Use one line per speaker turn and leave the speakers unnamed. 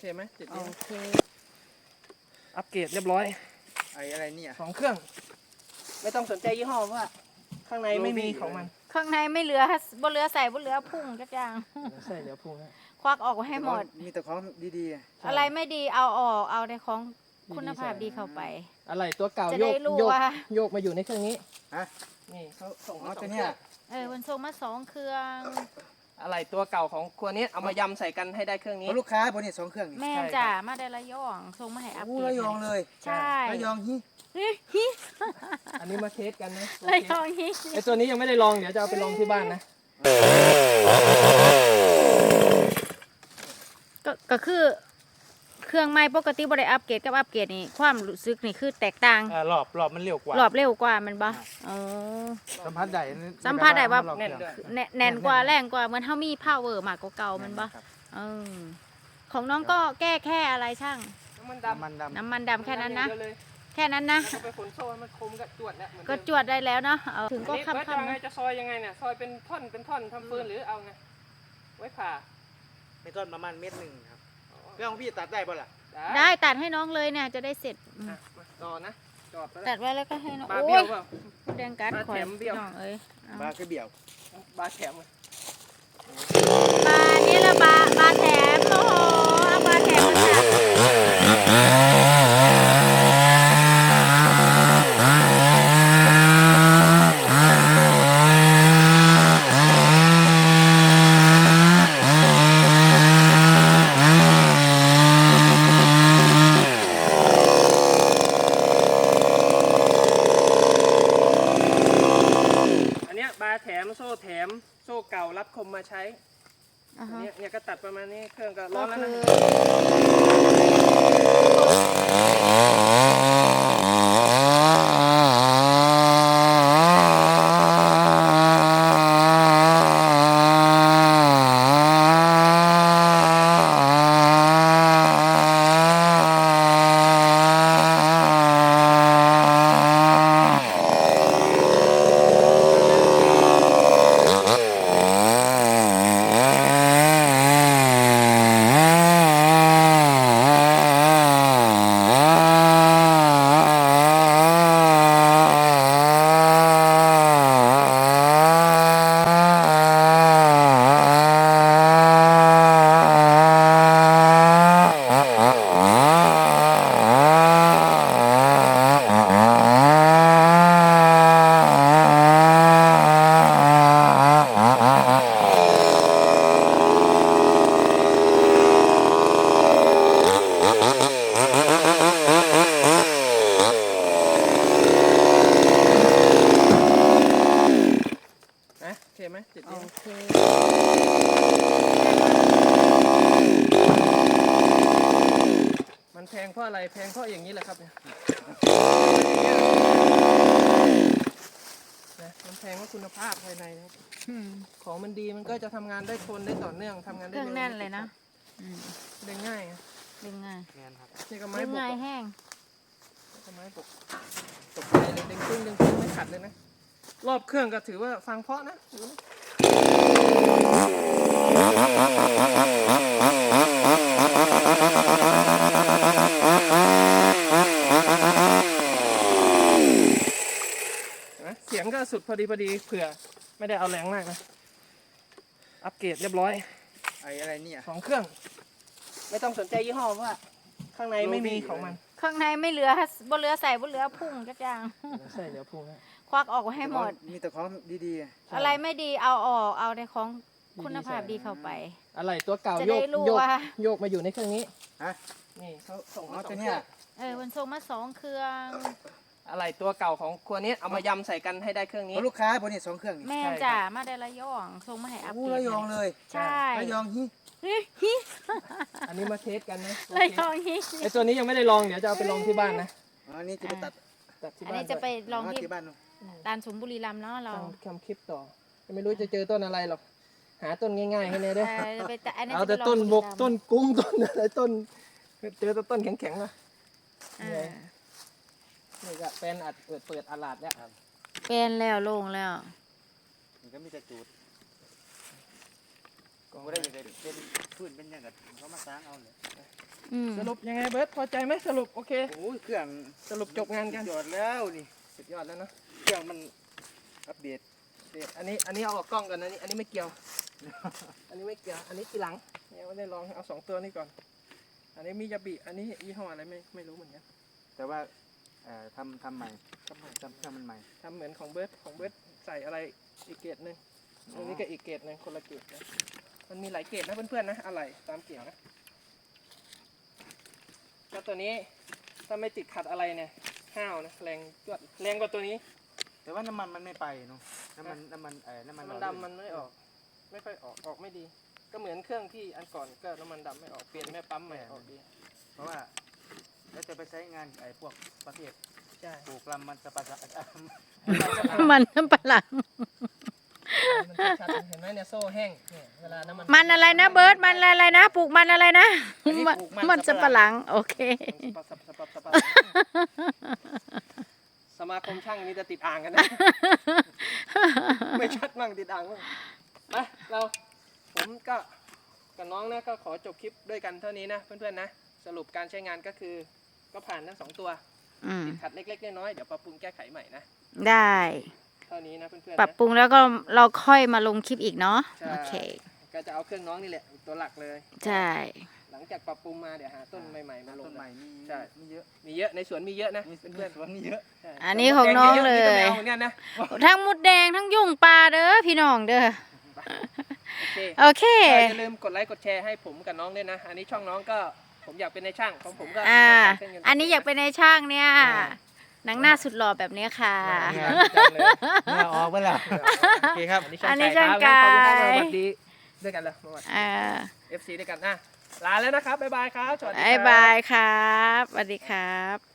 ไหมติด
โอเค
อัปเกรดเรียบร้อย
อะไรเนี่ย
2 เครื่องไม่ต้องสนใจยี่ห้อว่าข้างในไม่มีของมัน
ข้างในไม่เหลือบ่เหลือใส่บ่เหลือพุ่งจักอย่าง
ใช่เดี๋ยวพุ่งนะ
ควักออกให้หมด
มีแต่ของดี
อะไรไม่ดีเอาออกเอาในของคุณภาพดีเข้าไป
อะไรตัวเก่า
จะ
โย
ได้
ก
รู้
โยก
ว่า
โยกมาอยู่ในเครื่องนี้
ฮะ
นี่เขาส่ง
อ๋อ
มา
ตัว
2
เนี้ย
มันส่งมา2 เครื่อง
อะไรตัวเก่าของครัวนี้เอามายำใส่กันให้ได้เครื่องนี้
เพราะลูกค้าบนนี้2 เครื่องนี่
แม่นจ้ะมาได้ระยองส่งมาให้อัป
โอ้
เกรด
ระยองเลย
ใช่
ระยองฮิ
ฮิ
อันนี้มาเทสกันนะ
ระยองฮิ
ไอตัวนี้ยังไม่ได้ลองเดี๋ยวจะเอาไปลองที่บ้านนะ
ก็คือเครื่องใหม่ปกติบ่ได้อัปเกรดกับอัปเกรดนี่ความรู้สึกนี่คือแตกต่าง
รอบมันเร็วกว่าร
อบเร็วกว่ามันบ่อ๋อ
สัมผัสได้
สัมผัสได้ว่า
แน่นด้วย
แน่นกว่าแรงกว่าเหมือนเฮามี power มากกว่าเก่ามันบ่เออของน้องก็แก้แค่อะไรช่าง
น้ำมันดำ
น้ำมันด
น้ำมันดำแค่นั้นนะ
เดียวเลย
แค่นั้นนะ
แล้วก็ไปขนโซ่ให้มันคมกับจวดแล้วเหมือน
ก็
เดิม
จวดได้แล้วเนาะถึงก็
อันนี้
ค่
แล้วจะ
ำ
ไงจะซอยยังไงเนี่ยซอยเป็นท่อนทำฟืนหรือเอาไงไว้ผ่า
ำเป็นต้นประมาณ1 เมตรครับเครื่องของพี่ตัดได้ป่ะล่ะ
ๆได้ตัดให้น้องเลยเนี่ยจะได้เสร็จ
อ่ะมาต่อนะจอดไป
ตัดไว้แล้วก็ให้น้อง
บา
โอ้
เบี้ย
ยว
เปล่า
แดงกัด
บา
คอย
แถมเบี้ยว
น้องเอ้ยเอา
บาคือเบี่ยว
บาแถมเลย
บานี่ละบาแถมโอ้โหเอาบาแถมมาจ้ะ
อันเนี้ยบาแถมโซ่แถมโซ่เก่ารับคมมาใช้
อ่า
อัน
ฮะ
เนี้ยเนี่ยก็ตัดประมาณนี้เครื่องก็ร้
ก็
อนแล้ว
คื
นะ นะโอเคไหมติด
โอ
นี้
เค
มันแพงเพราะอะไรแพงเพราะอย่างนี้แหละครับเนี่ยนะมันแพงเพราะคุณภาพภายในนะครับ
อืม
ของมันดีมันก็จะทำงานได้ทนได้ต่อเนื่องทำงาน
เค
ได้
รื่อง
เร็ว
แน่นเลยนะอืม
ได้ง่ายอะ
ดึงง่าย
แมนครับ
นี่ก็ไม้
ดึง
บก
ง่าย
อะ
แห้ง
นี่ก็ไม้บกตกใจเลยดึงขึ้นไม่ขัดเลยนะรอบเครื่องก็ถือว่าฟังเพราะนะดูนะนะเสียงก็สุดพอดีเผื่อไม่ได้เอาแรงมากนะอัปเกรดเรียบร้อย
อะไรเนี่ย
2 เครื่องไม่ต้องสนใจยี่ห้อว่าข้างในไม่มีของมัน
ข้างในไม่เหลือบ่เหลือใส่บ่เหลือพุ่งจักอย่าง
ใช่เดี๋ยวพุ่งนะ
ควักออกให้หมด
มีแต่ของดี
อะไรไม่ดีเอาออกเอาในของคุณภาพดีเข้าไป
อะไรตัวเก่า
จะ
โย
ได้
ก
รู้
โยก
ว่า
โยกมาอยู่ในเครื่องนี้
ๆฮะ
นี่เขาส่ง
อ๋อ
มา
ตัว
2
เนี้ย
มันส่งมา2 เครื่อง
อะไรตัวเก่าของครัวนี้เอามายำใส่กันให้ได้เครื่อง
เพ
นี้
ราะลูกค้าบนนี้2 เครื่องนี่
แม่นจ้ะมาได้ระยองส่งมาให้อัป
โอ้
เกรด
ระยองเลย
ใช่
ระยองฮิ
ฮิ
อันนี้มาเทสกันนะ
ระยองฮิ
ไอตัวนี้ยังไม่ได้ลองเดี๋ยวจะเอาไปลองที่บ้านนะ
อันนี้จะไปตัด
ที่
อัน
บ้าน
นี้จะไปลองที่
ที่บ้านนู่น
ดานสมบุรีรัมย์เนาะเรา
ทำคลิปต่อไม่รู้จะเจอต้นอะไรหรอกหาต้นง่ายๆให้เนี่ยเด้อ
จะไปอันนี้
เอา
จะ
แต่
ไปลง
ต้นบก
บุรีรัมย์
ต้นกุ้งต้นอะไรต้นเจอแต่ต้นแข็งๆนะ
อ่า
นี่ก็เป็นอัดเปิดอาลาดแล้ว
เป็นแล้วโล่งแล้ว
มันก็มีแต่จูดก็ได้ยังไงเป็นพื้นเป็นยังไงเขามาสร้างเอาเลย
สรุปยังไงเบิร์ตพอใจไหมสรุปโอเค
โอ้ยเครื่อง
สรุปจบงานกัน
ยอดแล้วนี่
สุดยอดแล้วเนอะ
เครื่องมันอัปเดต
เด็ดอันนี้เอาออกกล้องก่อนนะอันนี้ไม่เกี่ยว อันนี้ไม่เกี่ยวอันนี้ทีหลังยังไม่ได้ลองเอา2ตัวนี้ก่อน อันนี้มิยาบิอันนี้ยี่ห้ออะไรไม่รู้เหมือนกัน
แต่ว่าทำใหม่ทำเครื่องมันใหม่
ทำเหมือนของเบิร์ดใส่อะไรอีกเกรดหนึ่งอันนี้ก็อีกเกรดหนึ่งคนละเกรดนะมันมีหลายเกรดนะเพื่อนๆนะอะไรตามเกี่ยวนะก็ตัวนี้ถ้าไม่ติดขัดอะไรเนี่ยห้าวนะแรงจวดแรงกว่าตัวนี้
แต่ว่าน้ำมันมันไม่ไปเนาะน้ำมันน้ำมัน
น้ำมันดำมันไม่ออกไม่ค่อยออกไม่ดี ก็เหมือนเครื่องที่อันก่อนก็น้ำมันดำไม่ออกเปลี่ยนแม่ปั๊มใหม่ออกดี
เพราะว่าแล้วจะไปใช้งานไอ้พวกประเภท
ใช่
ปลูกลำมันจะประสา
มันน้ำปลาหลัง
มันชัดๆเห็นไหมเนี่ยโซ่แห้งเนี่ยเวลาน้ำมัน
มันอะไรนะเบิร์ดมันอะไรนะปลูกมันอะไรนะมันจะปลาหลังโอเค
สมาคมช่างนี้จะติดอ่างกันนะ ไม่ชัดมั่งติดอ่างมั่งมาผมก็กับน้องนะก็ขอจบคลิปด้วยกันเท่านี้นะเพื่อนๆนะสรุปการใช้งานก็คือก็ผ่านทั้ง2ตัวติดขัดเล็กๆน้อยๆเดี๋ยวปรับปรุงแก้ไขใหม่นะ
ได้
เท่านี้นะเพื่อนๆนะ
ปรับปรุงแล้วก็เราค่อยมาลงคลิปอีกเนาะ
ใช่
โอเค
ก็จะเอาเครื่องน้องนี่แหละตัวหลักเลย
ใช่
หลังจากปรับปรุงมาเดี๋ยวหาต้นใหม่ๆมาลง
ต้นใหม่มี
ใช่
มีเยอะ
มีเยอะในสวนมีเยอะนะ
มี
เพื่อน
สวนมีเยอะ
ๆใช่
อันนี้ของน้องเลย
นี่ก็ไม่เอาเหมือนกันนะ
ทั้งมดแดงทั้งยุ่งปลาเด้อพี่น้องเด้อ
โอเค
โอเค
อย่าลืมกดไลค์กดแชร์ให้ผมกับน้องด้วยนะ อันนี้ช่องน้องก็ผมอยากเป็นในช่างของผมก็
อันนี้อยากเป็นในช่างเนี่ยหนังหน้าสุดหล่อแบบนี้ค่ะ
เนี่ยออกไปแล้วโอเคครับ
อันนี้ช่างกาย
ขอบคุณครับสวัสดีด้วยกันเลยสวัสดี
อ่า
FC ด้วยกันนะลาแล้วนะครับบ๊ายบายครับสวัสดีครับ
๊ายบายครับสวัสดีครับ